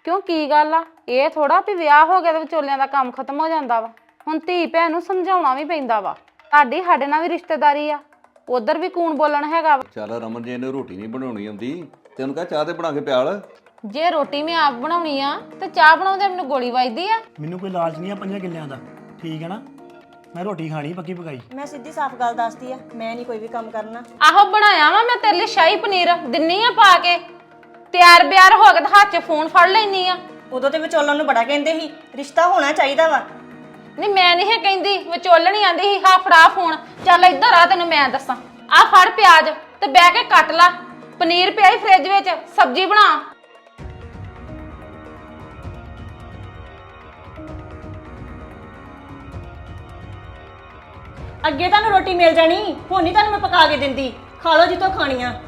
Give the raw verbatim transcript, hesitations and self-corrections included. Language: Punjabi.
ਕਿਉਂ ਕੀ ਗੱਲ ਆ? ਇਹ ਥੋੜਾ ਵੀ ਵਿਆਹ ਹੋ ਗਿਆ ਤੇ ਵਿਚੋਲਿਆਂ ਦਾ ਕੰਮ ਖਤਮ ਹੋ ਜਾਂਦਾ ਵਾ। ਹੁਣ ਧੀ ਭੈਣ ਨੂੰ ਸਮਝਾਉਣਾ ਵੀ ਪੈਂਦਾ ਵਾ। ਤੁਹਾਡੀ ਸਾਡੇ ਨਾਲ ਵੀ ਰਿਸ਼ਤੇਦਾਰੀ ਆ, ਉਧਰ ਵੀ ਕੂਣ ਬੋਲਣ ਹੈਗਾ ਵਾ। ਚੱਲ ਰਮਨ, ਜੇ ਇਹਨੂੰ ਰੋਟੀ ਨਹੀਂ ਬਣਾਉਣੀ ਆਉਂਦੀ ਤੇ ਉਹਨੂੰ ਕਹ ਚਾਹ ਤੇ ਬਣਾ ਕੇ ਪਿਆਲ। ਜੇ ਰੋਟੀ ਮੈਂ ਆਪ ਬਣਾਉਣੀ ਆ ਤੇ ਚਾਹ ਬਣਾਉਂਦੇ ਮੈਨੂੰ ਗੋਲੀ ਵੱਜਦੀ ਆ। ਮੈਨੂੰ ਕੋਈ ਲਾਲਚ ਨਹੀਂ ਆ ਪੰਜਾਂ ਕਿੱਲਿਆਂ ਦਾ, ਠੀਕ ਹੈ ਨਾ। ਮੈਂ ਰੋਟੀ ਖਾਣੀ ਪੱਕੀ ਪਕਾਈ। ਮੈਂ ਸਿੱਧੀ ਸਾਫ਼ ਗੱਲ ਦੱਸਦੀ ਆ, ਮੈਂ ਨਹੀਂ ਕੋਈ ਵੀ ਕੰਮ ਕਰਨਾ। ਆਹੋ ਬਣਾਇਆ ਵਾ ਮੈਂ ਤੇਰੇ ਲਈ ਸ਼ਾਹੀ ਪਨੀਰ, ਦਿੰਨੀ ਆ ਪਾ ਕੇ। ਤਿਆਰ ਬਿਆਰ ਹੋ ਕੇ ਤੇ ਹੱਥ 'ਚ ਫੋਨ ਫੜ ਲੈਣੀ ਆ। ਉਦੋਂ ਤੇ ਵਿਚੋਲਣ ਨੂੰ ਬੜਾ ਕਹਿੰਦੇ ਸੀ ਰਿਸ਼ਤਾ ਹੋਣਾ ਚਾਹੀਦਾ ਵਾ। ਨਹੀਂ ਮੈਂ ਨਹੀਂ ਹੈ ਕਹਿੰਦੀ, ਵਿਚੋਲਣੀ ਆਂਦੀ ਸੀ ਹਾਂ ਫੜਾ ਫੋਨ। ਚੱਲ ਇੱਧਰ ਆ, ਤੈਨੂੰ ਮੈਂ ਦੱਸਾਂ। ਆ ਫੜ ਪਿਆਜ਼ ਤੇ ਬਹਿ ਕੇ ਕੱਟ ਲਾ। ਪਨੀਰ ਪਿਆ ਹੀ ਫ੍ਰਿਜ ਵਿੱਚ, ਸਬਜ਼ੀ ਬਣਾ। ਅੱਗੇ ਤੁਹਾਨੂੰ ਰੋਟੀ ਮਿਲ ਜਾਣੀ, ਹੁਣ ਨਹੀਂ ਤੁਹਾਨੂੰ ਮੈਂ ਪਕਾ ਕੇ ਦਿੰਦੀ। ਖਾ ਲਓ ਜਿੱਥੋਂ ਖਾਣੀਆਂ।